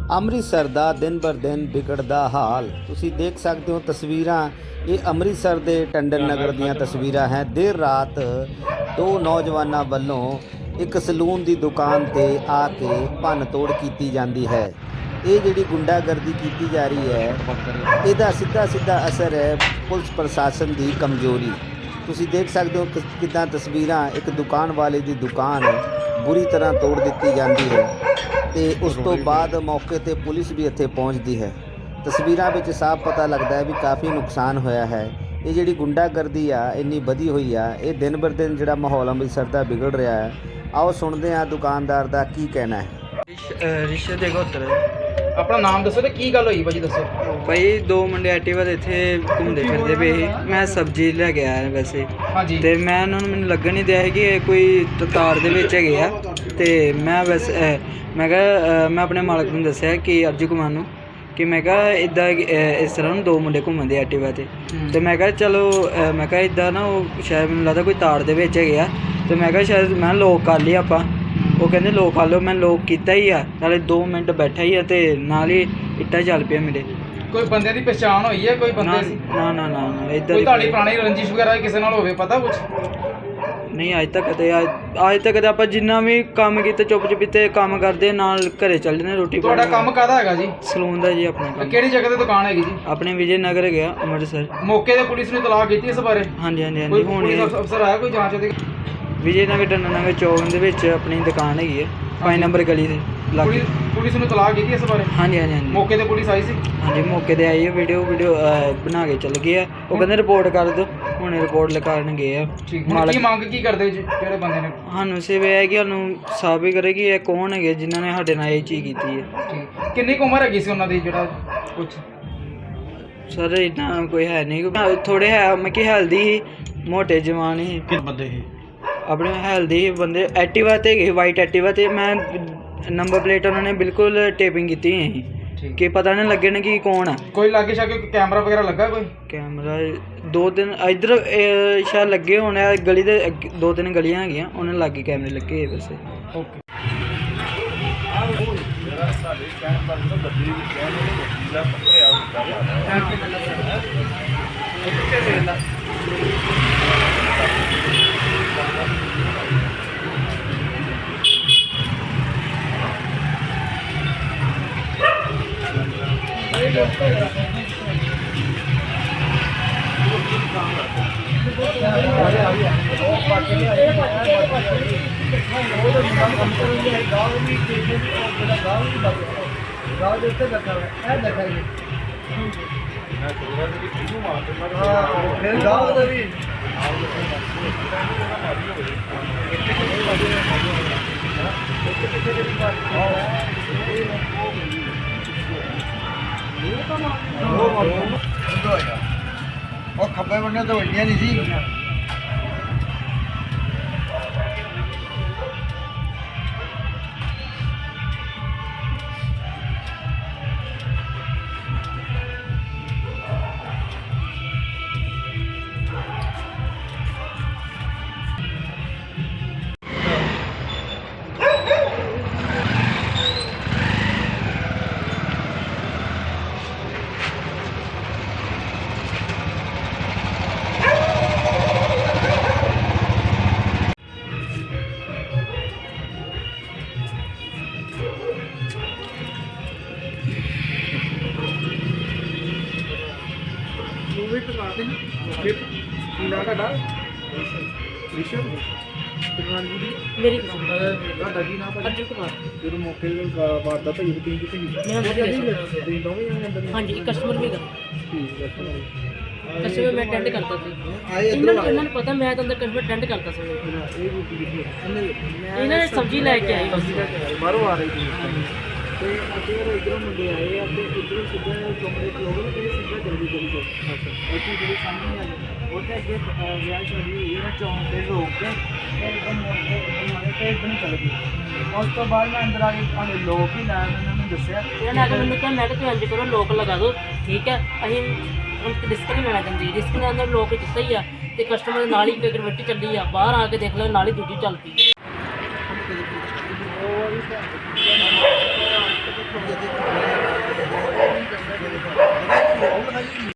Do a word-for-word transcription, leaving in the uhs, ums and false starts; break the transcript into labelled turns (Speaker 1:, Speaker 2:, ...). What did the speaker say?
Speaker 1: ਅੰਮ੍ਰਿਤਸਰ ਦਾ ਦਿਨ ਬਰ ਦਿਨ ਵਿਗੜਦਾ ਹਾਲ ਤੁਸੀਂ ਦੇਖ ਸਕਦੇ ਹੋ। ਤਸਵੀਰਾਂ ਇਹ ਅੰਮ੍ਰਿਤਸਰ ਦੇ ਟੰਡਨ ਨਗਰ ਦੀਆਂ ਤਸਵੀਰਾਂ ਹੈ। ਦੇਰ ਰਾਤ ਦੋ ਨੌਜਵਾਨਾਂ ਵੱਲੋਂ ਇੱਕ ਸਲੂਨ ਦੀ ਦੁਕਾਨ ਤੇ ਆ ਕੇ ਭੰਨ ਤੋੜ ਕੀਤੀ ਜਾਂਦੀ ਹੈ। ਇਹ ਜਿਹੜੀ ਗੁੰਡਾਗਰਦੀ ਕੀਤੀ ਜਾ ਰਹੀ ਹੈ, ਇਹਦਾ ਸਿੱਧਾ ਸਿੱਧਾ ਅਸਰ ਹੈ ਪੁਲਿਸ ਪ੍ਰਸ਼ਾਸਨ ਦੀ ਕਮਜ਼ੋਰੀ। ਤੁਸੀਂ ਦੇਖ ਸਕਦੇ ਹੋ ਕਿੱਦਾਂ ਤਸਵੀਰਾਂ, ਇੱਕ ਦੁਕਾਨ ਵਾਲੇ ਦੀ ਦੁਕਾਨ ਬੁਰੀ ਤਰ੍ਹਾਂ ਤੋੜ ਦਿੱਤੀ ਜਾਂਦੀ ਹੈ ਤੇ ਉਸ ਤੋਂ ਬਾਅਦ ਮੌਕੇ ਤੇ ਪੁਲਿਸ ਵੀ ਇੱਥੇ ਪਹੁੰਚਦੀ ਹੈ। ਤਸਵੀਰਾਂ ਵਿੱਚ ਸਾਫ਼ ਪਤਾ ਲੱਗਦਾ ਹੈ ਵੀ ਕਾਫੀ ਨੁਕਸਾਨ ਹੋਇਆ ਹੈ। ਇਹ ਜਿਹੜੀ ਗੁੰਡਾਗਰਦੀ ਆ ਇੰਨੀ ਵਧੀ ਹੋਈ ਆ, ਇਹ ਦਿਨ ਬਰ ਦਿਨ ਜਿਹੜਾ ਮਾਹੌਲ ਅੰਮ੍ਰਿਤਸਰ ਦਾ ਵਿਗੜ ਰਿਹਾ ਹੈ। ਆਓ ਸੁਣਦੇ ਹਾਂ ਦੁਕਾਨਦਾਰ ਦਾ ਕੀ ਕਹਿਣਾ ਹੈ।
Speaker 2: ਰਿਸ਼ਤੇ ਦੇ ਗੋਤਰ
Speaker 3: ਆਪਣਾ ਨਾਮ ਦੱਸੋ ਤੇ ਕੀ ਗੱਲ ਹੋਈ ਭਾਜੀ ਦੱਸੋ।
Speaker 2: ਭਾਈ ਦੋ ਮੁੰਡੇ ਐਕਟਿਵਾ ਦੇ ਇੱਥੇ ਘੁੰਮਦੇ ਫਿਰਦੇ ਪਏ ਸੀ। ਮੈਂ ਸਬਜ਼ੀ ਲੈ ਕੇ ਆਇਆ ਵੈਸੇ
Speaker 3: ਹਾਂਜੀ
Speaker 2: ਤੇ ਮੈਂ ਉਹਨਾਂ ਨੂੰ ਮੈਨੂੰ ਲੱਗਣ ਨਹੀਂ ਦਿਆ ਸੀ ਕਿ ਇਹ ਕੋਈ ਤਾਰ ਦੇ ਵਿੱਚ ਹੈਗੇ ਆ। ਤੇ ਮੈਂ ਵੈਸੇ ਮੈਂ ਕਿਹਾ ਮੈਂ ਆਪਣੇ ਮਾਲਕ ਨੂੰ ਦੱਸਿਆ ਕਿ ਅਰਜੂ ਕੁਮਾਰ ਨੂੰ ਕਿ ਮੈਂ ਕਿਹਾ ਇੱਦਾਂ ਇਸ ਤਰ੍ਹਾਂ ਨੂੰ ਦੋ ਮੁੰਡੇ ਘੁੰਮਦੇ ਐਕਟਿਵਾ 'ਤੇ ਤੇ ਮੈਂ ਕਿਹਾ ਚਲੋ ਮੈਂ ਕਿਹਾ ਇੱਦਾਂ ਨਾ ਉਹ ਸ਼ਾਇਦ ਮੈਨੂੰ ਲੱਗਦਾ ਕੋਈ ਤਾਰ ਦੇ ਵਿੱਚ ਹੈਗੇ ਆ। ਤੇ ਮੈਂ ਕਿਹਾ ਸ਼ਾਇਦ ਮੈਂ ਲੋਕ ਕਰ ਲਈ ਆਪਾਂ। ਉਹ ਕਹਿੰਦੇ ਲੋਕ ਕਰ ਲਓ। ਮੈਂ ਲੋਕ ਕੀਤਾ ਹੀ ਆ, ਨਾਲੇ ਦੋ ਮਿੰਟ ਬੈਠਾ ਹੀ ਆ ਤੇ ਨਾਲ ਹੀ ਇੱਟਾਂ ਚੱਲ ਪਿਆ ਮੇਰੇ।
Speaker 3: ਕੋਈ ਬੰਦੇ ਦੀ ਪਛਾਣ ਹੋਈ ਹੈ? ਕੋਈ ਬੰਦੇ ਸੀ?
Speaker 2: ਨਾ ਨਾ ਨਾ ਨਾ ਇੱਦਾਂ
Speaker 3: ਕੋਈ ਤੁਹਾਡੀ ਪੁਰਾਣੀ ਰੰਜਿਸ਼ ਵਗੈਰਾ ਕਿਸੇ ਨਾਲ ਹੋਵੇ ਪਤਾ ਕੁਛ?
Speaker 2: ਨਹੀਂ ਅੱਜ ਤੱਕ ਕਦੇ ਅੱਜ ਤੱਕ ਕਦੇ ਆਪਾਂ ਜਿੰਨਾ ਵੀ ਕੰਮ ਕੀਤਾ ਚੁੱਪ ਚੁਪੀਤੇ ਕੰਮ ਕਰਦੇ ਨਾਲ ਘਰੇ ਚੱਲ ਜਾਂਦੇ ਰੋਟੀ।
Speaker 3: ਤੁਹਾਡਾ ਕੰਮ ਕਾਹਦਾ ਹੈਗਾ ਜੀ?
Speaker 2: ਸਲੂਨ ਦਾ ਜੀ ਆਪਣਾ ਕੰਮ।
Speaker 3: ਕਿਹੜੀ ਜਗ੍ਹਾ ਤੇ ਦੁਕਾਨ ਹੈਗੀ ਜੀ?
Speaker 2: ਆਪਣੇ ਵਿਜੇ ਨਗਰ ਗਿਆ ਅੰਮ੍ਰਿਤਸਰ।
Speaker 3: ਮੌਕੇ ਤੇ ਪੁਲਿਸ ਨੇ ਤਲਾਕ ਕੀਤੀ ਇਸ ਬਾਰੇ?
Speaker 2: ਹਾਂਜੀ ਹਾਂਜੀ ਹਾਂਜੀ
Speaker 3: ਕੋਈ
Speaker 2: ਹੁਣ
Speaker 3: ਪੁਲਿਸ ਅਫਸਰ ਆਇਆ ਕੋਈ ਜਾਂਚ ਦੇ?
Speaker 2: ਵਿਜੇ ਨਗਰ ਟੰਨਾ ਨਗਰ ਚੌਕ ਦੇ ਵਿੱਚ ਆਪਣੀ ਦੁਕਾਨ ਹੈਗੀ ਹੈ, ਪੰਜ ਨੰਬਰ ਗਲੀ ਦੇ ਲਾਗੇ।
Speaker 3: ਪੁਲਿਸ ਨੂੰ ਤਲਾਕ ਕੀਤੀ ਇਸ ਬਾਰੇ?
Speaker 2: ਹਾਂਜੀ ਹਾਂਜੀ ਹਾਂਜੀ
Speaker 3: ਮੌਕੇ ਤੇ ਪੁਲਿਸ ਆਈ ਸੀ?
Speaker 2: ਹਾਂਜੀ ਮੌਕੇ ਤੇ ਆਈ ਹੈ। ਵੀਡੀਓ ਵੀਡੀਓ ਬਣਾ ਕੇ ਚੱਲ ਗਏ ਆ। ਉਹ ਕਹਿੰਦੇ ਰਿਪੋਰਟ ਕਰ ਦਿਓ, ਹੁਣ ਰਿਪੋਰਟ ਲਿਖਾਉਣ ਗਏ ਆ।
Speaker 3: ਠੀਕ, ਹੁਣ ਕੀ ਮੰਗ ਕੀ ਕਰਦੇ ਜੀ ਜਿਹੜੇ ਬੰਦੇ ਨੇ?
Speaker 2: ਸਾਨੂੰ ਸਿਰਫ ਇਹ ਹੈ ਕਿ ਸਾਨੂੰ ਸਾਬਿਤ ਕਰੇ ਕਿ ਇਹ ਕੌਣ ਹੈਗੇ ਜਿਨ੍ਹਾਂ ਨੇ ਸਾਡੇ ਨਾਲ ਇਹ ਚੀਜ਼ ਕੀਤੀ ਹੈ।
Speaker 3: ਠੀਕ, ਕਿੰਨੀ ਕੁ ਉਮਰ ਹੈਗੀ ਸੀ ਉਹਨਾਂ ਦੀ ਜਿਹੜਾ ਕੁਛ?
Speaker 2: ਸਰ ਇੰਨਾ ਕੋਈ ਹੈ ਨਹੀਂ, ਥੋੜੇ ਹੈ ਮੈਂ ਕਿ ਹੈਲਦੀ ਸੀ, ਮੋਟੇ ਜਵਾਨ ਸੀ।
Speaker 3: ਕਿੰਨੇ ਬੰਦੇ ਸੀ?
Speaker 2: ਆਪਣੇ ਹੈਲਦੀ ਬੰਦੇ ਐਕਟਿਵਾ ਤੇ ਗਏ, ਵਾਈਟ ਐਕਟਿਵਾ ਤੇ। ਮੈਂ ਨੰਬਰ ਪਲੇਟ ਉਹਨਾਂ ਨੇ ਬਿਲਕੁਲ ਟੇਪਿੰਗ ਕੀਤੀ ਹੋਈ ਸੀ ਕਿ ਪਤਾ ਨਹੀਂ ਲੱਗੇ ਨਾ ਕਿ ਕੌਣ ਆ।
Speaker 3: ਕੋਈ ਲਾਗੇ ਛਾਗੇ ਕੈਮਰਾ ਵਗੈਰਾ ਲੱਗਾ? ਕੋਈ
Speaker 2: ਕੈਮਰਾ ਦੋ ਦਿਨ ਇੱਧਰ ਸ਼ਾਇਦ ਲੱਗੇ ਹੋਣੇ ਆ, ਗਲੀ ਦੇ ਅੱਗੇ ਦੋ ਤਿੰਨ ਗਲੀਆਂ ਹੈਗੀਆਂ ਉਹਨਾਂ ਲਾਗੇ ਕੈਮਰੇ ਲੱਗੇ ਹੋਏ ਵੈਸੇ।
Speaker 3: ਓਕੇ।
Speaker 4: ਉਹ ਖੱਬੇ ਬੰਨੇ ਤੋਂ ਵੱਡੀਆਂ ਨਹੀਂ ਸੀ।
Speaker 5: ਮੇਰੀ
Speaker 3: ਤੁਹਾਡਾ ਕੀ ਨਾਮ ਹੈ?
Speaker 5: ਅਰਜੁਨ ਕੁਮਾਰ।
Speaker 3: ਜਦੋਂ ਮੌਕੇ ਤੇ ਵਾਰਦਾਤ ਹੋਈ ਤੁਸੀਂ ਕਿੱਥੇ ਗਏ?
Speaker 5: ਮੈਂ ਅੰਦਰ ਗਿਆ ਸੀ।
Speaker 3: ਤੁਸੀਂ ਦੋਵੇਂ ਜਣੇ ਅੰਦਰ?
Speaker 5: ਹਾਂਜੀ, ਇੱਕ ਕਸਟਮਰ ਵੀ ਦਾ
Speaker 3: ਠੀਕ ਹੈ।
Speaker 5: ਕਸਟਮਰ ਮੈਂ ਅਟੈਂਡ ਕਰਦਾ ਸੀ। ਇਹਨਾਂ ਨੂੰ ਇਹਨਾਂ ਨੂੰ ਪਤਾ ਮੈਂ ਤਾਂ ਅੰਦਰ ਕਸਟਮਰ ਅਟੈਂਡ ਕਰਦਾ ਸੀ।
Speaker 3: ਇਹ ਰੋਟੀ ਕਿੱਥੇ?
Speaker 5: ਇਹਨਾਂ ਨੇ ਸਬਜ਼ੀ ਲੈ ਕੇ ਆਈ ਬਸ।
Speaker 3: ਬਾਹਰੋਂ ਆ ਰਹੀ ਸੀ ਤੇ ਅਤੇ ਇਧਰੋਂ ਮੁੰਡੇ ਆਏ ਆ ਤੇ ਇਧਰੋਂ ਸਿੱਧਾ ਚੌਂਕੇ ਤੇ ਲੋਕ ਤੇ ਸਿੱਧਾ ਜਲਦੀ ਜਲਦੀ ਚੋ ਅੱਛਾ ਜਿਹੜੀ ਸਾਹਮਣੇ ਆ ਗਈ ਉਹਦੇ ਅੱਗੇ ਵਿਆਹ ਸ਼ਾਦੀ ਹੋਈ ਹੈ। ਚੌਂਕ ਤੇ ਰੋਕ ਕੇ ਇੱਕਦਮ ਮੋੜ ਕੇ ਮਾਰੇ ਤੇ ਇੱਧਰ ਨੂੰ ਚੱਲ ਗਈ। ਉਸ ਤੋਂ ਬਾਅਦ ਮੈਂ ਅੰਦਰ ਆ ਕੇ ਭਾਵੇਂ ਲੋਕ ਹੀ ਲਾਇਆ, ਉਹਨਾਂ ਨੂੰ ਦੱਸਿਆ।
Speaker 5: ਇਹਨਾਂ ਨੇ ਆ ਕੇ ਮੈਨੂੰ ਕਿਹਾ ਮੈਂ ਕਿਹਾ ਤੁਸੀਂ ਇੰਝ ਕਰੋ ਲੋਕ ਲਗਾ ਦਿਓ, ਠੀਕ ਹੈ। ਅਸੀਂ ਹੁਣ ਰਿਸਕ ਨਹੀਂ ਲੈਣਾ ਚਾਹੁੰਦੇ, ਰਿਸਕ ਨੇ ਅੰਦਰ ਲੋਕ ਦਿੱਤਾ ਹੀ ਆ ਤੇ ਕਸਟਮਰ ਦੇ ਨਾਲ ਹੀ ਇੱਕ ਗਰਵੱਟੀ ਚੱਲੀ ਆ, ਬਾਹਰ ਆ ਕੇ ਦੇਖ ਲਓ ਨਾਲ ਹੀ ਦੂਜੀ ਚੱਲ ਪਈ।